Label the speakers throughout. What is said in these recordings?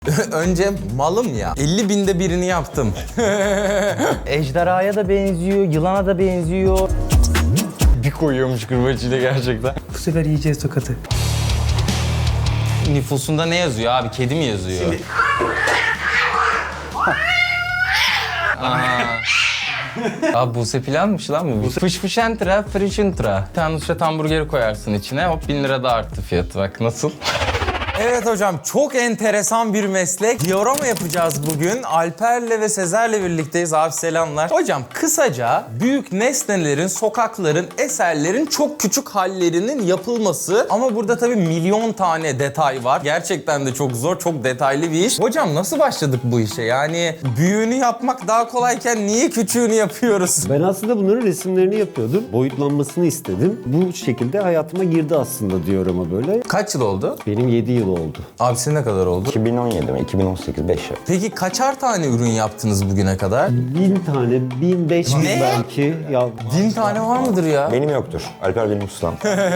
Speaker 1: Önce malım ya. 50 binde birini yaptım.
Speaker 2: Ejderhaya da benziyor, yılana da benziyor.
Speaker 1: Bir koyuyormuş kırbaçıyla gerçekten.
Speaker 3: Bu sefer yiyeceğiz tokatı.
Speaker 1: Nüfusunda ne yazıyor abi? Kedi mi yazıyor? Abi Buse planmış lan bu. Fışfışentra, frişintra. Bir tane Nusret hamburgeri koyarsın içine. Hop 1000 lira da arttı fiyatı. Bak nasıl? Evet hocam, çok enteresan bir meslek. Diorama yapacağız bugün. Alper'le ve Sezer'le birlikteyiz. Abi selamlar. Hocam kısaca büyük nesnelerin, sokakların, eserlerin çok küçük hallerinin yapılması. Ama burada tabii milyon tane detay var. Gerçekten de çok zor, çok detaylı bir iş. Hocam nasıl başladık bu işe? Yani büyüğünü yapmak daha kolayken niye küçüğünü yapıyoruz?
Speaker 4: Ben aslında bunların resimlerini yapıyordum. Boyutlanmasını istedim. Bu şekilde hayatıma girdi aslında diorama böyle.
Speaker 1: Kaç yıl oldu?
Speaker 4: Benim 7 yıl oldu.
Speaker 1: Abi senin ne kadar oldu?
Speaker 5: 2017 mi? 2018, 5 yıl.
Speaker 1: Peki kaçar tane ürün yaptınız bugüne kadar?
Speaker 4: 1000 tane, 1500
Speaker 1: Ne?
Speaker 4: belki. Ya
Speaker 1: 1000 tane var mıdır ya?
Speaker 5: Benim yoktur. Alper benim ustam.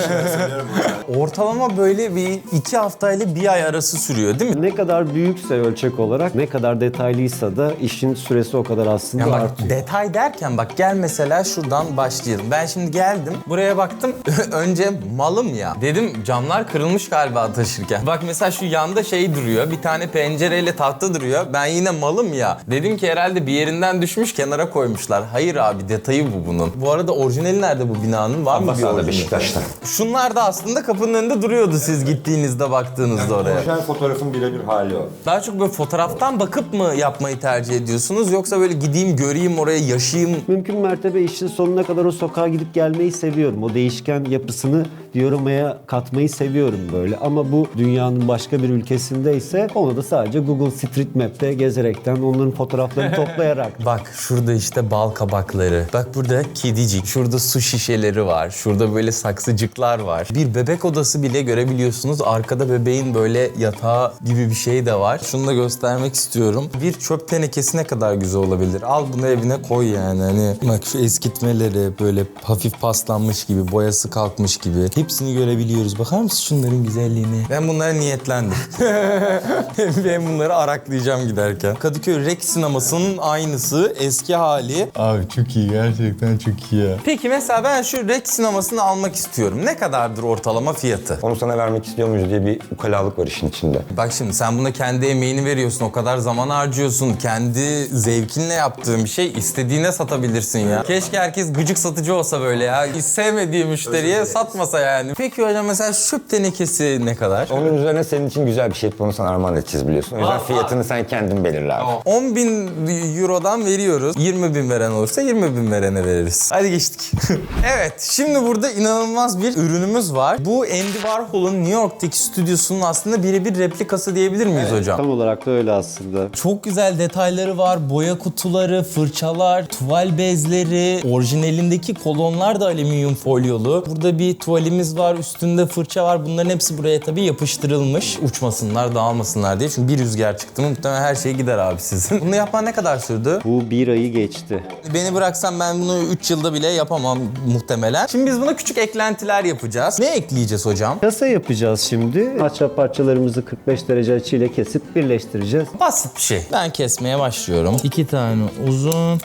Speaker 1: Ortalama böyle bir 2 haftayla 1 ay arası sürüyor değil mi?
Speaker 4: ne kadar büyükse ölçek olarak, ne kadar detaylıysa da işin süresi o kadar aslında
Speaker 1: Yani bak
Speaker 4: artıyor.
Speaker 1: detay derken bak gel mesela şuradan başlayalım. Ben şimdi geldim buraya baktım önce malım ya. Dedim camlar kırılmış galiba taşırken. Bak mesela şu yanda şey duruyor, bir tane pencereyle tahta duruyor. Ben yine malım ya. Dedim ki herhalde bir yerinden düşmüş kenara koymuşlar. Hayır abi, detayı bu bunun. Bu arada orijinali nerede bu binanın? Var mı bir
Speaker 5: Abbasada,
Speaker 1: orijinali?
Speaker 5: Beşiktaş'ta.
Speaker 1: Şunlar da aslında kapının önünde duruyordu siz gittiğinizde baktığınızda oraya.
Speaker 5: Orijinal fotoğrafın birebir hali o.
Speaker 1: Daha çok böyle fotoğraftan bakıp mı yapmayı tercih ediyorsunuz yoksa böyle gideyim göreyim oraya yaşayayım?
Speaker 4: Mümkün mertebe işin sonuna kadar o sokağa gidip gelmeyi seviyorum. O değişken yapısını dioramaya katmayı seviyorum böyle. Ama bu dünyanın başka bir ülkesindeyse onu da sadece Google Street Map'te gezerekten, onların fotoğraflarını toplayarak.
Speaker 1: Bak şurada işte bal kabakları. Bak burada kedicik. Şurada su şişeleri var. Şurada böyle saksıcıklar var. Bir bebek odası bile görebiliyorsunuz. Arkada bebeğin böyle yatağı gibi bir şey de var. Şunu da göstermek istiyorum. Bir çöp tenekesi ne kadar güzel olabilir. Al bunu evine koy yani. Hani bak şu eskitmeleri böyle hafif paslanmış gibi, boyası kalkmış gibi. Hepsini görebiliyoruz. Bakar mısın şunların güzelliğine? Ben bunlara niyetlendim. Ben bunları araklayacağım giderken. Kadıköy Rex sinemasının aynısı, eski hali. Abi çok iyi, gerçekten çok iyi ya. Peki mesela ben şu Rex sinemasını almak istiyorum. Ne kadardır ortalama fiyatı?
Speaker 5: Onu sana vermek istiyor muyuz diye bir ukalalık var işin içinde.
Speaker 1: Bak şimdi sen buna kendi emeğini veriyorsun, o kadar zaman harcıyorsun. Kendi zevkinle yaptığın bir şey istediğine satabilirsin ya. Keşke herkes gıcık satıcı olsa böyle ya. Hiç sevmediği müşteriye satmasa yani. Peki hocam mesela çöp tenekesi ne kadar?
Speaker 5: Onun üzerine senin için güzel bir şey yapıp onu sana armağan edeceğiz biliyorsun. O yüzden fiyatını sen kendin belirle abi.
Speaker 1: 10.000 Euro'dan veriyoruz. 20.000 veren olursa 20.000 verene veririz. Hadi geçtik. Evet, şimdi burada inanılmaz bir ürünümüz var. Bu Andy Warhol'un New York'taki stüdyosunun aslında birebir replikası diyebilir miyiz hocam?
Speaker 4: Tam olarak da öyle aslında.
Speaker 1: Çok güzel detayları var. Boya kutuları, fırçalar, tuval bezleri, orijinalindeki kolonlar da alüminyum folyolu. Burada bir tuvalimiz var, üstünde fırça var. Bunların hepsi buraya tabii yapıştırılmış. Uçmasınlar, dağılmasınlar diye. Çünkü bir rüzgar çıktı mı muhtemelen her şey gider abi sizin. Bunu yapman ne kadar sürdü?
Speaker 4: Bu bir ayı geçti.
Speaker 1: Beni bıraksan ben bunu 3 yılda bile yapamam muhtemelen. Şimdi biz buna küçük eklentiler yapacağız. Ne ekleyeceğiz hocam?
Speaker 4: Kasa yapacağız şimdi. Ahşap parçalarımızı 45 derece açıyla kesip birleştireceğiz.
Speaker 1: Basit bir şey. Ben kesmeye başlıyorum. 2 tane uzun.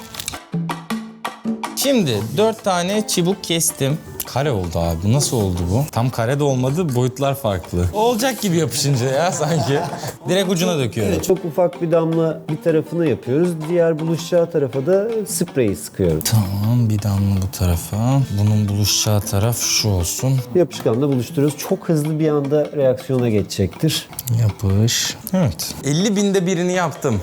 Speaker 1: Şimdi 4 tane çubuk kestim. Kare oldu abi. Nasıl oldu bu? Tam kare de olmadı. Boyutlar farklı. Olacak gibi yapışınca ya sanki. Direkt ucuna döküyorum.
Speaker 4: Çok ufak bir damla bir tarafına yapıyoruz. Diğer buluşacağı tarafa da spreyi sıkıyorum.
Speaker 1: Tamam, bir damla bu tarafa. Bunun buluşacağı taraf şu olsun.
Speaker 4: Yapışkanla buluşturuyoruz. Çok hızlı bir anda reaksiyona geçecektir.
Speaker 1: Yapış. Evet. 50 binde birini yaptım.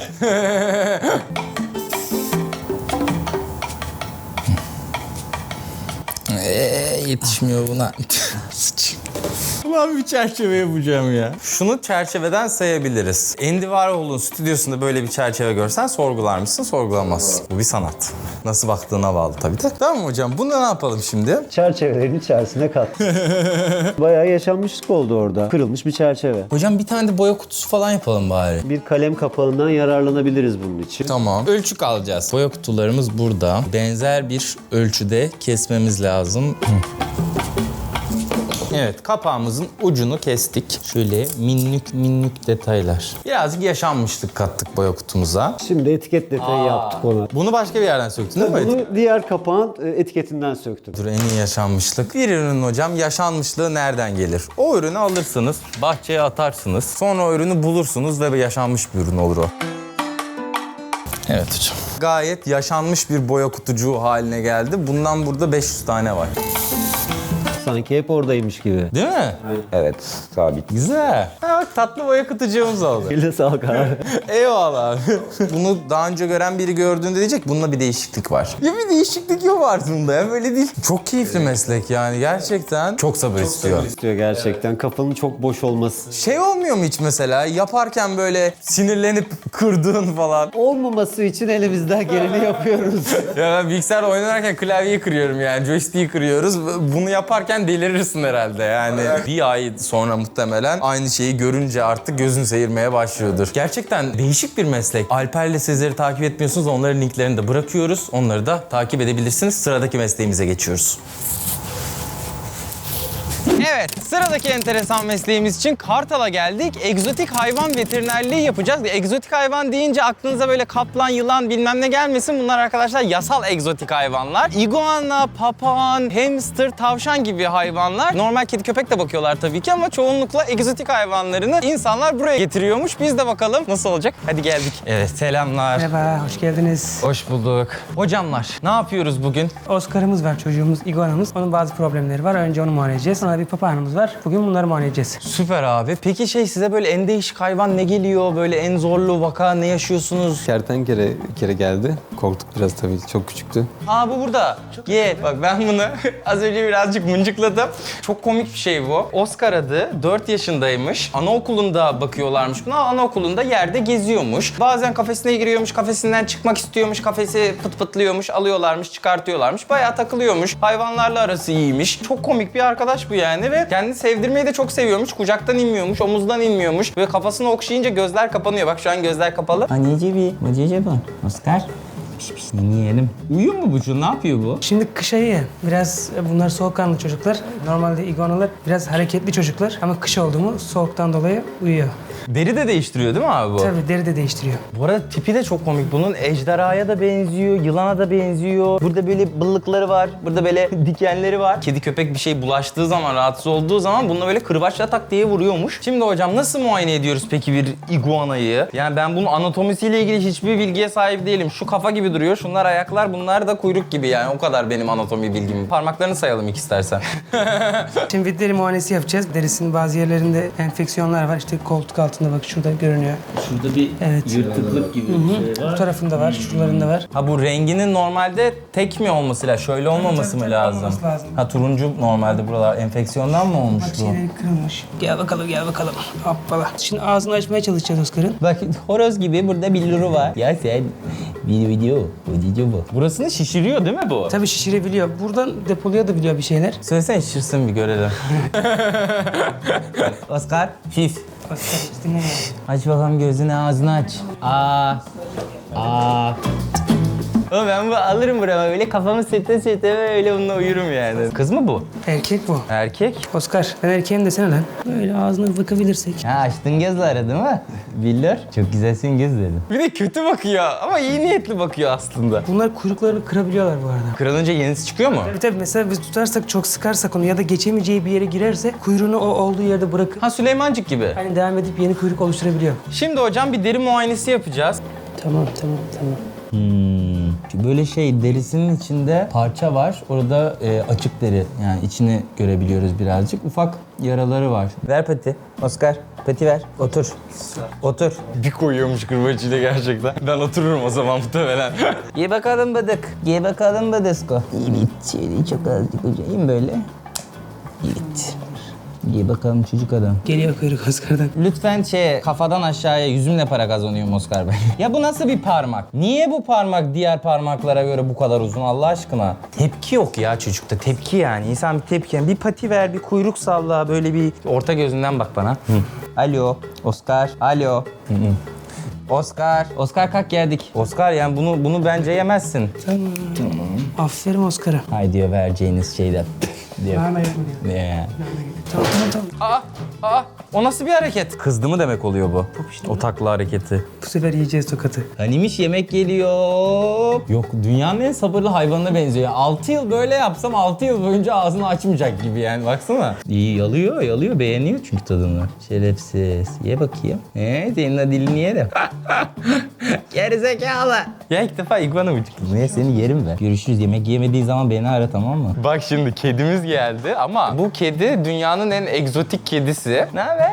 Speaker 1: Yetişmiyor buna. Sıç. Ulan bir çerçeve yapacağım ya. Şunu çerçeveden sayabiliriz. Andy Warhol'un stüdyosunda böyle bir çerçeve görsen sorgular mısın? Sorgulamazsın. Bu bir sanat. Nasıl baktığına bağlı tabii de. Tamam hocam, bunu ne yapalım şimdi?
Speaker 4: Çerçevelerin içerisine kat. Bayağı yaşanmışlık oldu orada. Kırılmış bir çerçeve.
Speaker 1: Hocam bir tane de boya kutusu falan yapalım bari.
Speaker 4: Bir kalem kapağından yararlanabiliriz bunun için.
Speaker 1: Tamam. Ölçü alacağız. Boya kutularımız burada. Benzer bir ölçüde kesmemiz lazım. Evet, kapağımızın ucunu kestik. Şöyle minnük detaylar. Birazcık yaşanmışlık kattık boya kutumuza.
Speaker 4: Şimdi etiket detayı yaptık ona.
Speaker 1: Bunu başka bir yerden söktün değil mi?
Speaker 4: Bunu diğer kapağın etiketinden söktüm.
Speaker 1: Dur, en iyi yaşanmışlık. Bir ürünün hocam yaşanmışlığı nereden gelir? O ürünü alırsınız, bahçeye atarsınız. Sonra o ürünü bulursunuz ve yaşanmış bir ürün olur o. Evet hocam. Gayet yaşanmış bir boya kutucuğu haline geldi. Bundan burada 500 tane var.
Speaker 4: Sanki hep oradaymış gibi.
Speaker 1: Değil mi?
Speaker 5: Evet, sabit.
Speaker 1: Güzel. Ha, bak tatlı boya kutucuğumuz oldu.
Speaker 4: Eline sağlık abi.
Speaker 1: Eyvallah abi. Bunu daha önce gören biri gördüğünde diyecek bunda bir değişiklik var. Ya bir değişiklik yok var bunda ya, böyle değil. Çok keyifli meslek yani gerçekten. Çok sabır istiyor.
Speaker 4: İstiyor gerçekten. Kafanın çok boş olması.
Speaker 1: Şey olmuyor mu hiç mesela yaparken böyle sinirlenip kırdığın falan?
Speaker 4: Olmaması için elimizden geleni yapıyoruz.
Speaker 1: Ya ben bilgisayar oynarken klavyeyi kırıyorum yani, joystick'i kırıyoruz. Bunu yaparken delirirsin herhalde yani. Bir ay sonra muhtemelen aynı şeyi görünce artık gözün seyirmeye başlıyordur. Gerçekten değişik bir meslek. Alper'le Sezer'i takip etmiyorsunuz, onların linklerini de bırakıyoruz. Onları da takip edebilirsiniz. Sıradaki mesleğimize geçiyoruz. Evet, sıradaki enteresan mesleğimiz için Kartal'a geldik. Egzotik hayvan veterinerliği yapacağız. Egzotik hayvan deyince aklınıza böyle kaplan, yılan bilmem ne gelmesin. Bunlar arkadaşlar yasal egzotik hayvanlar. İguana, papağan, hamster, tavşan gibi hayvanlar. Normal kedi köpek de bakıyorlar tabii ki ama çoğunlukla egzotik hayvanlarını insanlar buraya getiriyormuş. Biz de bakalım nasıl olacak. Hadi geldik. Evet, selamlar.
Speaker 3: Merhaba, hoş geldiniz.
Speaker 1: Hoş bulduk. Hocamlar, ne yapıyoruz bugün?
Speaker 3: Oscar'ımız var, çocuğumuz, iguanamız. Onun bazı problemleri var. Önce onu muayene edeceğiz. Sonra bir papağanımız var. Bugün bunları muayene edeceğiz.
Speaker 1: Süper abi. Peki size böyle en değişik hayvan ne geliyor? Böyle en zorlu vaka ne yaşıyorsunuz?
Speaker 6: Kertenkele bir kere geldi. Korktuk biraz tabii. Çok küçüktü.
Speaker 1: Aa, bu burada. Gel. Bak ben bunu az önce birazcık mıncıkladım. Çok komik bir şey bu. Oscar adı. 4 yaşındaymış. Anaokulunda bakıyorlarmış buna. Anaokulunda yerde geziyormuş. Bazen kafesine giriyormuş. Kafesinden çıkmak istiyormuş. Kafesi pıt pıtlıyormuş. Alıyorlarmış, çıkartıyorlarmış. Bayağı takılıyormuş. Hayvanlarla arası iyiymiş. Çok komik bir arkadaş bu yani ve kendini sevdirmeyi de çok seviyormuş. Kucaktan inmiyormuş, omuzdan inmiyormuş. Ve kafasını okşayınca gözler kapanıyor. Bak şu an gözler kapalı. Anneciğim, acaba Oscar. Piş piş yiyelim. Uyuyor mu bu şu? Ne yapıyor bu?
Speaker 3: Şimdi kış ayı. Biraz bunlar soğukkanlı çocuklar. Normalde iguanalar biraz hareketli çocuklar. Ama kış oldu mu soğuktan dolayı uyuyor.
Speaker 1: Deri de değiştiriyor değil mi abi bu?
Speaker 3: Tabii deri de değiştiriyor.
Speaker 1: Bu arada tipi de çok komik bunun. Ejderhaya da benziyor, yılana da benziyor. Burada böyle bıllıkları var, burada böyle dikenleri var. Kedi köpek bir şey bulaştığı zaman, rahatsız olduğu zaman bununla böyle kırbaçla tak diye vuruyormuş. Şimdi hocam nasıl muayene ediyoruz peki bir iguanayı? Yani ben bunun anatomisiyle ilgili hiçbir bilgiye sahip değilim. Şu kafa gibi duruyor, şunlar ayaklar, bunlar da kuyruk gibi yani. O kadar benim anatomi bilgim. Parmaklarını sayalım ilk istersen.
Speaker 3: Şimdi bir deri muayenesi yapacağız. Derisinin bazı yerlerinde enfeksiyonlar var. İşte koltuk altında bak şurada görünüyor.
Speaker 1: Şurada bir yırtıklık gibi bir şey var.
Speaker 3: Bu tarafında var, şuralarında var.
Speaker 1: Ha, bu renginin normalde tek mi olması lazım? Şöyle olmaması
Speaker 3: Tabii,
Speaker 1: mı
Speaker 3: tabii,
Speaker 1: lazım?
Speaker 3: olması lazım.
Speaker 1: Ha, turuncu normalde buralar enfeksiyondan mı olmuş
Speaker 3: Bak
Speaker 1: bu?
Speaker 3: şeyleri kırılmış. Gel bakalım, gel bakalım. Hoppala. Şimdi ağzını açmaya çalışacağız Oscar'ın.
Speaker 1: Bak horoz gibi burada billuru var. Ya sen bir video bu. Burasını şişiriyor değil mi bu?
Speaker 3: Tabii şişirebiliyor. Buradan depolayabiliyor bir şeyler.
Speaker 1: Söylesene şişirsin bir görelim. Oscar, şif.
Speaker 3: Oscar hiç dinlemiyor.
Speaker 1: Aç bakalım gözünü, ağzını aç. Oğlum ben bu alırım burama böyle kafamı sürte böyle bununla uyurum yani. Kız mı bu?
Speaker 3: Erkek bu.
Speaker 1: Erkek.
Speaker 3: Oscar, ben erkeğim desene lan. Böyle ağzına bakabilirsek.
Speaker 1: Ha, açtın gözleri değil mi? Biller. Çok güzelsin gözleri. Bir de kötü bakıyor ama iyi niyetli bakıyor aslında.
Speaker 3: Bunlar kuyruklarını kırabiliyorlar bu arada.
Speaker 1: Kırılınca yenisi çıkıyor mu?
Speaker 3: Tabii mesela biz tutarsak, çok sıkarsak onu ya da geçemeyeceği bir yere girerse kuyruğunu o olduğu yerde bırakıp
Speaker 1: Ha, Süleymancık gibi.
Speaker 3: hani devam edip yeni kuyruk oluşturabiliyor.
Speaker 1: Şimdi hocam bir deri muayenesi yapacağız.
Speaker 3: Tamam.
Speaker 1: Böyle derisinin içinde parça var. Orada açık deri. Yani içini görebiliyoruz birazcık. Ufak yaraları var. Ver pati. Oscar, pati ver. Otur. Otur. Bir koyuyormuş kırbacıyla gerçekten. Ben otururum o zaman muhtemelen. Ye bakalım bıdık. Ye bakalım bıdısko. Evet. Şöyle çok azıcık hocayım böyle. Evet. Ye bakalım çocuk adam.
Speaker 3: Geliyor kuyruk Oscar'dan.
Speaker 1: Lütfen kafadan aşağıya yüzümle para kazanıyorum Oscar Bey. Ya bu nasıl bir parmak? Niye bu parmak diğer parmaklara göre bu kadar uzun Allah aşkına? Tepki yok ya çocukta, tepki yani. İnsan bir tepki yani. Bir pati ver, bir kuyruk salla, böyle bir orta gözünden bak bana. Alo, Oscar, alo. Oscar kalk geldik. Oscar yani bunu bence yemezsin.
Speaker 3: Tamam. Aferin Oscar'a.
Speaker 1: Hay diyor vereceğiniz şeyden. diyor.
Speaker 3: Nane yapma diyor.
Speaker 1: Ne?
Speaker 3: Tamam tamam.
Speaker 1: O nasıl bir hareket? Kızdı mı demek oluyor bu? O takla hareketi.
Speaker 3: Bu sefer yiyeceğiz tokatı.
Speaker 1: Hanimiş yemek geliyor. Yok dünyanın en sabırlı hayvanına benziyor. 6 yıl böyle yapsam 6 yıl boyunca ağzını açmayacak gibi yani baksana. İyi yalıyor beğeniyor çünkü tadını. Şerefsiz. Ye bakayım. Senin dilini yerim. Gerizekalı. Ya ilk defa iguana mı çıktı? Niye seni yerim ben. Görüşürüz. Yemek yemediği zaman beni ara tamam mı? Bak şimdi kedimiz geldi ama bu kedi dünyanın en egzotik kedisi. Ne haber?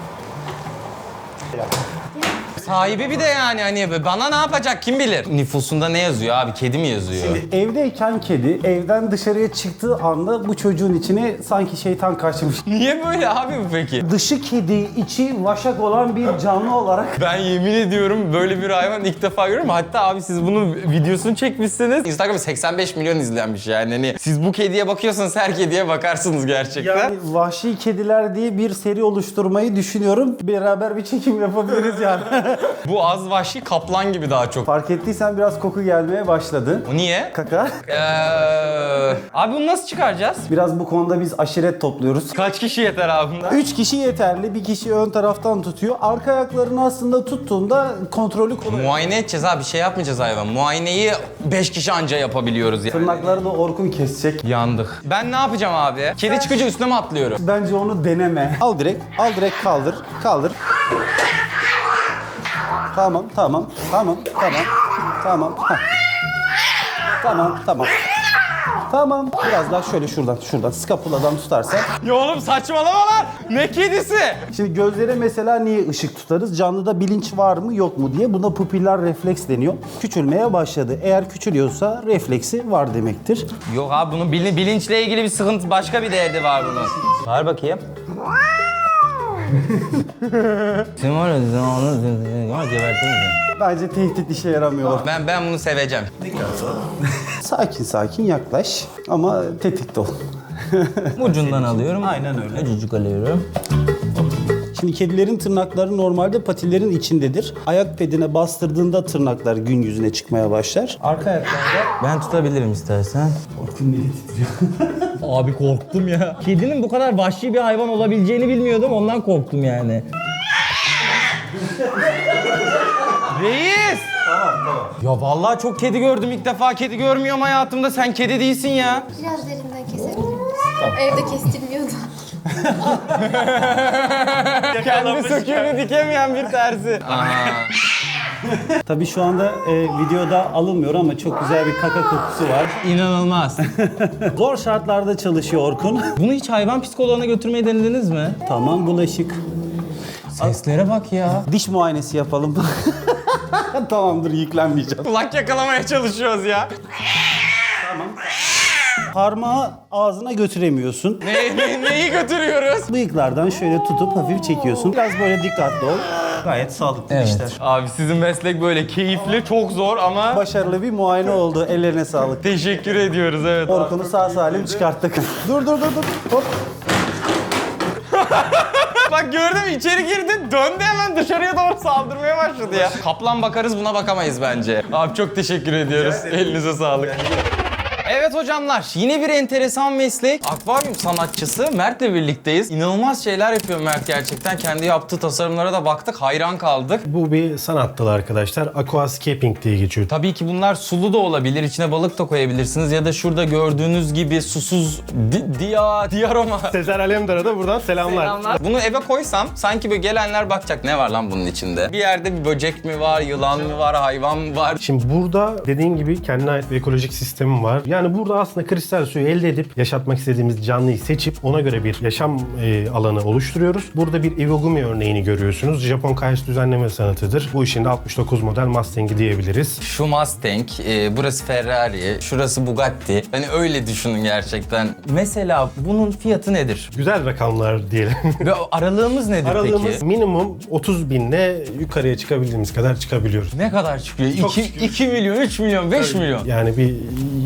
Speaker 1: Sahibi bir de yani hani bana ne yapacak kim bilir? Nüfusunda ne yazıyor abi? Kedi mi yazıyor?
Speaker 7: Evdeyken kedi, evden dışarıya çıktığı anda bu çocuğun içine sanki şeytan kaçmış.
Speaker 1: Niye böyle abi bu peki?
Speaker 7: Dışı kedi, içi vaşak olan bir canlı olarak
Speaker 1: Ben yemin ediyorum böyle bir hayvan ilk defa görüyorum. Hatta abi siz bunun videosunu çekmişsiniz. Instagram'da 85 milyon izlenmiş yani. Hani siz bu kediye bakıyorsanız her kediye bakarsınız gerçekten.
Speaker 7: yani vahşi kediler diye bir seri oluşturmayı düşünüyorum. Beraber bir çekim yapabiliriz yani.
Speaker 1: Bu az vahşi kaplan gibi daha çok.
Speaker 7: Fark ettiysen biraz koku gelmeye başladı.
Speaker 1: O niye?
Speaker 7: Kaka.
Speaker 1: Abi bunu nasıl çıkaracağız?
Speaker 7: Biraz bu konuda biz aşiret topluyoruz.
Speaker 1: Kaç kişi yeter abi bunda?
Speaker 7: 3 kişi yeterli. Bir kişi ön taraftan tutuyor. Arka ayaklarını aslında tuttuğunda kontrolü kolay.
Speaker 1: Muayene edeceğiz abi bir şey yapmayacağız hayvan. Muayeneyi 5 kişi anca yapabiliyoruz yani.
Speaker 7: Tırnakları da Orkun kesecek.
Speaker 1: Yandık. Ben ne yapacağım abi? Kedi çıkınca üstüne mi atlıyorum?
Speaker 7: Bence onu deneme. Al direkt kaldır. Tamam. Tamam. Biraz daha şöyle şuradan skapuladan tutarsan.
Speaker 1: Ya oğlum saçmalama lan! Ne kedisi?
Speaker 7: Şimdi gözlere mesela niye ışık tutarız? Canlıda bilinç var mı yok mu diye. Buna pupiller refleks deniyor. Küçülmeye başladı. Eğer küçülüyorsa refleksi var demektir.
Speaker 1: Yok abi bunun bilinçle ilgili bir sıkıntı, başka bir derdi var bunun. Var bakayım. Sen var ya, onu gebertiriz.
Speaker 7: Bence tehdit işe yaramıyor.
Speaker 1: Ben bunu seveceğim.
Speaker 7: Sakin yaklaş ama tetikte ol.
Speaker 1: Ucundan alıyorum.
Speaker 7: Aynen öyle.
Speaker 1: Ucucuk alıyorum.
Speaker 7: Şimdi kedilerin tırnakları normalde patilerin içindedir. Ayak pedine bastırdığında tırnaklar gün yüzüne çıkmaya başlar. Arka ayaklarda
Speaker 1: Ben tutabilirim istersen. Abi korktum ya. Kedinin bu kadar vahşi bir hayvan olabileceğini bilmiyordum. Ondan korktum yani. Reis! Tamam. Ya vallahi çok kedi gördüm. İlk defa kedi görmüyorum hayatımda. Sen kedi değilsin ya.
Speaker 8: Biraz derinden kesebilir miyiz? Evde kestirmiyordu.
Speaker 1: Kendi söküğünü dikemeyen bir terzi.
Speaker 7: tabii şu anda videoda alınmıyor ama çok güzel bir kaka kokusu var.
Speaker 1: İnanılmaz.
Speaker 7: Zor şartlarda çalışıyor Orkun.
Speaker 1: Bunu hiç hayvan psikoloğuna götürmeyi denediniz mi?
Speaker 7: Tamam bulaşık.
Speaker 1: Seslere bak ya.
Speaker 7: Diş muayenesi yapalım. Tamamdır yüklenmeyeceğim.
Speaker 1: Kulak yakalamaya çalışıyoruz ya.
Speaker 7: Parmağı ağzına götüremiyorsun.
Speaker 1: Neyi götürüyoruz?
Speaker 7: Bıyıklardan şöyle tutup hafif çekiyorsun. Biraz böyle dikkatli ol. Gayet sağlıklı işler.
Speaker 1: Abi sizin meslek böyle keyifli, çok zor ama
Speaker 7: Başarılı bir muayene oldu. Ellerine sağlık.
Speaker 1: teşekkür ediyoruz evet.
Speaker 7: Orkun'u sağ salim çıkarttık. dur. Hop.
Speaker 1: Bak gördün mü içeri girdi, döndü hemen dışarıya doğru saldırmaya başladı ya. Kaplan bakarız, buna bakamayız bence. Abi çok teşekkür ediyoruz. Elinize sağlık. Evet hocamlar, yine bir enteresan meslek. Akvaryum sanatçısı Mert'le birlikteyiz. İnanılmaz şeyler yapıyor Mert gerçekten. Kendi yaptığı tasarımlara da baktık, hayran kaldık.
Speaker 9: Bu bir sanat dalı arkadaşlar. Aquascaping diye geçiyor.
Speaker 1: Tabii ki bunlar sulu da olabilir, içine balık da koyabilirsiniz. Ya da şurada gördüğünüz gibi susuz diaroma.
Speaker 9: Sezer Alemdar'a da buradan selamlar.
Speaker 1: Bunu eve koysam sanki böyle gelenler bakacak ne var lan bunun içinde. Bir yerde bir böcek mi var, yılan mı var, hayvan mı var?
Speaker 9: Şimdi burada dediğim gibi kendine ait bir ekolojik sistemim var. Yani burada aslında kristal suyu elde edip yaşatmak istediğimiz canlıyı seçip ona göre bir yaşam alanı oluşturuyoruz. Burada bir Iwagumi örneğini görüyorsunuz. Japon kayaç düzenleme sanatıdır. Bu işin de 69 model Mustang'i diyebiliriz.
Speaker 1: Şu Mustang, burası Ferrari, şurası Bugatti. Hani öyle düşünün gerçekten. Mesela bunun fiyatı nedir?
Speaker 9: Güzel rakamlar diyelim.
Speaker 1: Ve aralığımız nedir
Speaker 9: Aralığımız
Speaker 1: peki?
Speaker 9: minimum 30 binle yukarıya çıkabildiğimiz kadar çıkabiliyoruz.
Speaker 1: Ne kadar çıkıyor?
Speaker 9: Çok
Speaker 1: 2 milyon, 3 milyon, 5 milyon.
Speaker 9: Yani bir 2 milyon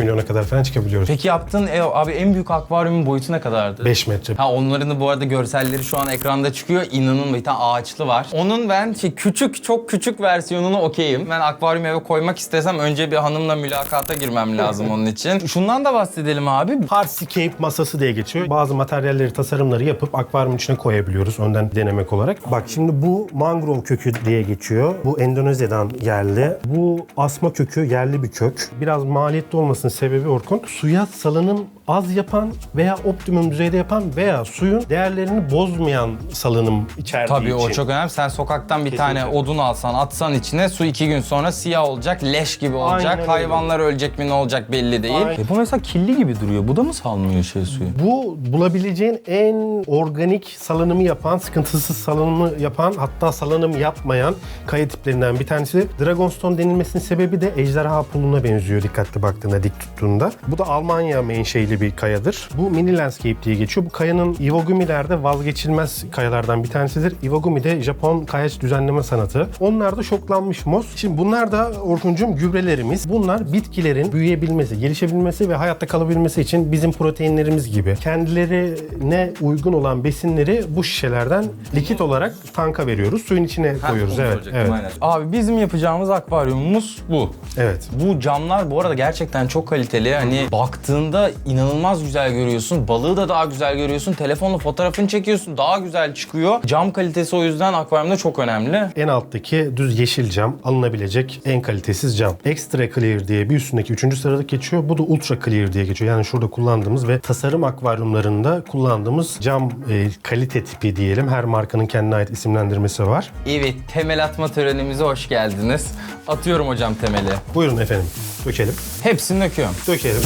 Speaker 9: milyona kadar falan çıkabiliyoruz.
Speaker 1: Peki yaptığın abi en büyük akvaryumun boyutu ne kadardı?
Speaker 9: 5 metre.
Speaker 1: Ha, onların da bu arada görselleri şu an ekranda çıkıyor. İnanın, bir tane ağaçlı var. Onun ben küçük, çok küçük versiyonunu okeyim. Ben akvaryum eve koymak istesem önce bir hanımla mülakata girmem lazım onun için. Şundan da bahsedelim abi.
Speaker 9: Hardscape masası diye geçiyor. Bazı materyalleri, tasarımları yapıp akvaryumun içine koyabiliyoruz önden denemek olarak. Bak şimdi bu mangrove kökü diye geçiyor. Bu Endonezya'dan yerli. Bu asma kökü yerli bir kök. Biraz maliyetli olmasının sebebi Orkun, suya salınım az yapan veya optimum düzeyde yapan veya suyun değerlerini bozmayan salınım içerdiği
Speaker 1: Tabii
Speaker 9: için.
Speaker 1: o çok önemli. Sen sokaktan bir tane odun alsan, atsan içine, su 2 gün sonra siyah olacak, leş gibi olacak.
Speaker 9: Aynen öyle.
Speaker 1: Hayvanlar ölecek mi, ne olacak belli değil.
Speaker 9: Aynen.
Speaker 1: Bu mesela kirli gibi duruyor. Bu da mı salmıyor suyu?
Speaker 9: Bu bulabileceğin en organik salınımı yapan, sıkıntısız salınımı yapan, hatta salınım yapmayan kaya tiplerinden bir tanesi. Dragonstone denilmesinin sebebi de ejderha puluna benziyor dikkatli baktığında, dik tuttuğunda. Bu da Almanya menşeili bir kayadır. Bu mini landscape diye geçiyor. Bu kayanın Iwagumi'lerde vazgeçilmez kayalardan bir tanesidir. Iwagumi de Japon kayaç düzenleme sanatı. Onlar da şoklanmış mos. Şimdi bunlar da Orkuncuğum gübrelerimiz. Bunlar bitkilerin büyüyebilmesi, gelişebilmesi ve hayatta kalabilmesi için bizim proteinlerimiz gibi kendilerine uygun olan besinleri bu şişelerden likit olarak tanka veriyoruz. Suyun içine koyuyoruz.
Speaker 1: Onu
Speaker 9: Evet.
Speaker 1: soracaktım,
Speaker 9: Evet.
Speaker 1: aynen. Abi bizim yapacağımız akvaryumumuz bu.
Speaker 9: Evet.
Speaker 1: Bu camlar bu arada gerçekten çok kaliteli. Hani baktığında inanılmaz güzel görüyorsun. Balığı da daha güzel görüyorsun. Telefonla fotoğrafını çekiyorsun. Daha güzel çıkıyor. Cam kalitesi o yüzden akvaryumda çok önemli.
Speaker 9: En alttaki düz yeşil cam alınabilecek en kalitesiz cam. Extra Clear diye bir üstündeki 3. sırada geçiyor. Bu da Ultra Clear diye geçiyor. Yani şurada kullandığımız ve tasarım akvaryumlarında kullandığımız cam kalite tipi diyelim. Her markanın kendine ait isimlendirmesi var.
Speaker 1: Evet, temel atma törenimize hoş geldiniz. Atıyorum hocam temeli.
Speaker 9: Buyurun efendim. Dökelim.
Speaker 1: Hepsini döküyorum.
Speaker 9: Dökelim.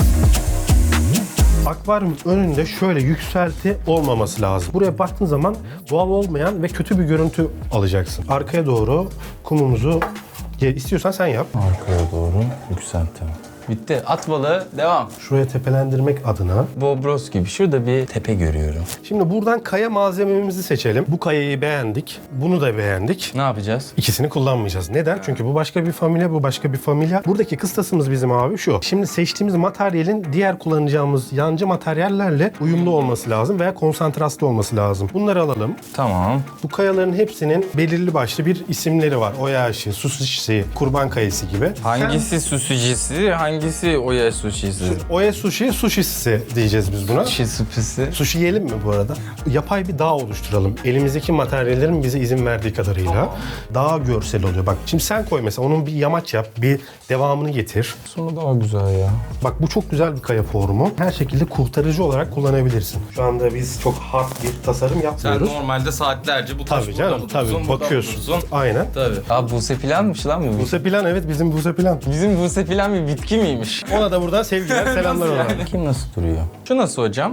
Speaker 9: Akvaryum önünde şöyle yükselti olmaması lazım. Buraya baktığın zaman doğal olmayan ve kötü bir görüntü alacaksın. Arkaya doğru kumumuzu istiyorsan sen yap.
Speaker 1: Arkaya doğru yükselttim. Bitti. At balığı. Devam.
Speaker 9: Şuraya tepelendirmek adına.
Speaker 1: Bobros gibi. Şurada bir tepe görüyorum.
Speaker 9: Şimdi buradan kaya malzememizi seçelim. Bu kayayı beğendik. Bunu da beğendik.
Speaker 1: Ne yapacağız?
Speaker 9: İkisini kullanmayacağız. Neden? Çünkü bu başka bir familya, bu başka bir familya. Buradaki kıstasımız bizim abi şu. Şimdi seçtiğimiz materyalin diğer kullanacağımız yancı materyallerle uyumlu olması lazım veya konsantraslı olması lazım. Bunları alalım.
Speaker 1: Tamam.
Speaker 9: Bu kayaların hepsinin belirli başlı bir isimleri var. Oyashi, Sushi, Kurban Kayası gibi.
Speaker 1: Hangisi sushi'si, hangisi oya sushi'si?
Speaker 9: Oya Sushi, Sushisi diyeceğiz biz buna.
Speaker 1: Sushi.
Speaker 9: Sushi yiyelim mi bu arada? Yapay bir dağ oluşturalım. Elimizdeki materyallerin bize izin verdiği kadarıyla. Dağ görsel oluyor. Bak şimdi sen koy mesela, onun bir yamaç yap, bir devamını getir.
Speaker 1: Sonu daha güzel ya.
Speaker 9: Bak bu çok güzel bir kaya formu. Her şekilde kurtarıcı olarak kullanabilirsin. Şu anda biz çok hard bir tasarım
Speaker 1: Sen
Speaker 9: yapmıyoruz.
Speaker 1: normalde saatlerce bu taş
Speaker 9: Tabii canım, tabii bakıyorsun. Aynen.
Speaker 1: Tabii. Abi Buse Plan'mış lan bu.
Speaker 9: Buse Plan, evet bizim Buse Plan.
Speaker 1: Bizim Buse Plan bir bitki miymiş?
Speaker 9: Ona da buradan sevgiler, selamlar ona.
Speaker 1: Kim nasıl duruyor? Şu nasıl hocam?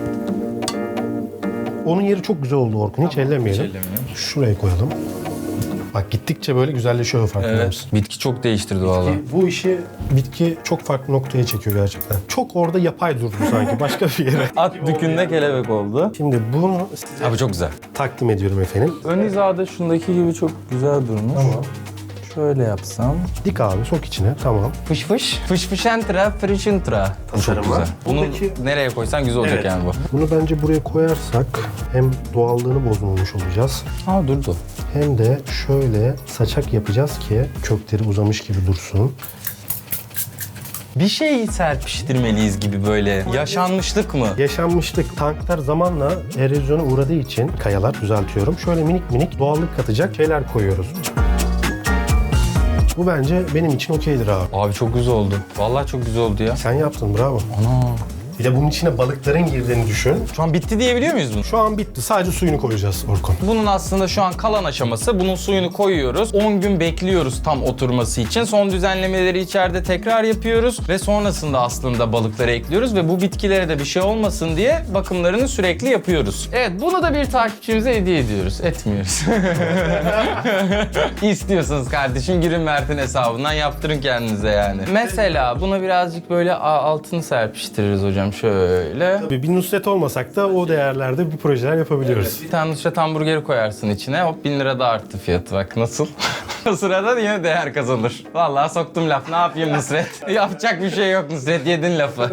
Speaker 9: Onun yeri çok güzel oldu Orkun. Hiç ellemeyelim. Şuraya koyalım. Bak gittikçe böyle güzelleşiyor, farkında mısın?
Speaker 1: Bitki çok değiştirdi valla.
Speaker 9: Bu işi bitki çok farklı noktaya çekiyor gerçekten. Çok orada yapay durdu sanki başka bir yere.
Speaker 1: At dükünde kelebek oldu.
Speaker 9: Şimdi bunu size
Speaker 1: Abi çok güzel.
Speaker 9: takdim ediyorum efendim.
Speaker 1: Ön hizada şundaki gibi çok güzel durmuş.
Speaker 9: Tamam.
Speaker 1: Şöyle yapsam.
Speaker 9: Dik abi, sok içine. Tamam.
Speaker 1: Fış fış. Fış fışentra, frişintra. Bu çok
Speaker 9: Tasarım
Speaker 1: güzel.
Speaker 9: var.
Speaker 1: Bunu
Speaker 9: Buradaki-
Speaker 1: nereye koysan güzel olacak
Speaker 9: Evet.
Speaker 1: yani bu.
Speaker 9: Bunu bence buraya koyarsak hem doğallığını bozmamış olacağız.
Speaker 1: Aa durdu.
Speaker 9: Hem de şöyle saçak yapacağız ki kökleri uzamış gibi dursun.
Speaker 1: Bir şey serpiştirmeliyiz gibi böyle. Yaşanmışlık mı?
Speaker 9: Yaşanmışlık, tanklar zamanla erozyona uğradığı için kayalar, düzeltiyorum. Şöyle minik minik doğallık katacak şeyler koyuyoruz. Bu bence benim için okeydir abi.
Speaker 1: Abi çok güzel oldu. Vallahi çok güzel oldu ya.
Speaker 9: Sen yaptın, bravo.
Speaker 1: Ana.
Speaker 9: Bir de bunun içine balıkların girdiğini düşün.
Speaker 1: Şu an bitti diyebiliyor muyuz bunu?
Speaker 9: Şu an bitti. Sadece suyunu koyacağız Orkun.
Speaker 1: Bunun aslında şu an kalan aşaması. Bunun suyunu koyuyoruz. 10 gün bekliyoruz tam oturması için. Son düzenlemeleri içeride tekrar yapıyoruz. Ve sonrasında aslında balıkları ekliyoruz. Ve bu bitkilere de bir şey olmasın diye bakımlarını sürekli yapıyoruz. Evet, bunu da bir takipçimize hediye ediyoruz. Etmiyoruz. İstiyorsanız kardeşim girin Mert'in hesabından yaptırın kendinize yani. Mesela buna birazcık böyle altını serpiştiririz hocam şöyle.
Speaker 9: Tabii bir Nusret olmasak da o değerlerde bir projeler yapabiliyoruz.
Speaker 1: Bir tane Nusret hamburgeri koyarsın içine. Hop 1000 lira da arttı fiyatı, bak nasıl? O sırada yine değer kazanır. Vallahi soktum laf. Ne yapayım Nusret? Yapacak bir şey yok Nusret. Yedin lafı.